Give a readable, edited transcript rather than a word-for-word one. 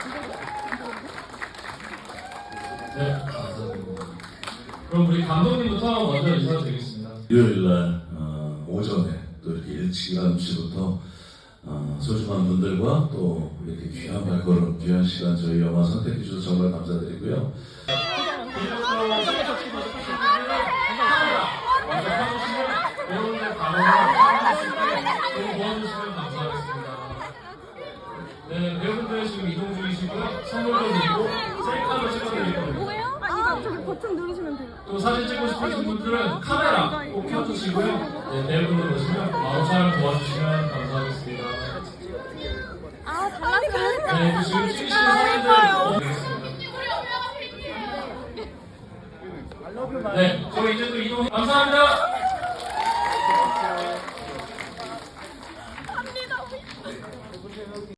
네, 감사드립니다. 그럼 우리 감독님부터 먼저 인사드리겠습니다. 일요일날 오전에 또 이렇게 일찍 11시부터 소중한 분들과 또 이렇게 귀한 발걸음, 귀한 시간 저희 영화 선택해 주셔서 정말 감사드리고요. 네, 배우분들 지금 이동 중이시고요. 선물도 드리고 셀카도 찍어드리고 뭐예요? 아, 저기 버튼 누르시면 돼요. 또 사진 찍고 싶으신 분들은 카메라 꼭 켜주시고요. 네, 배우분들 오시면 바로 촬영 도와주시면 감사하겠습니다. 아, 잘났어요. 네, 지금 찍으시는 사진들 보겠습니다. 네, 저희 이제 또 이동 감사합니다.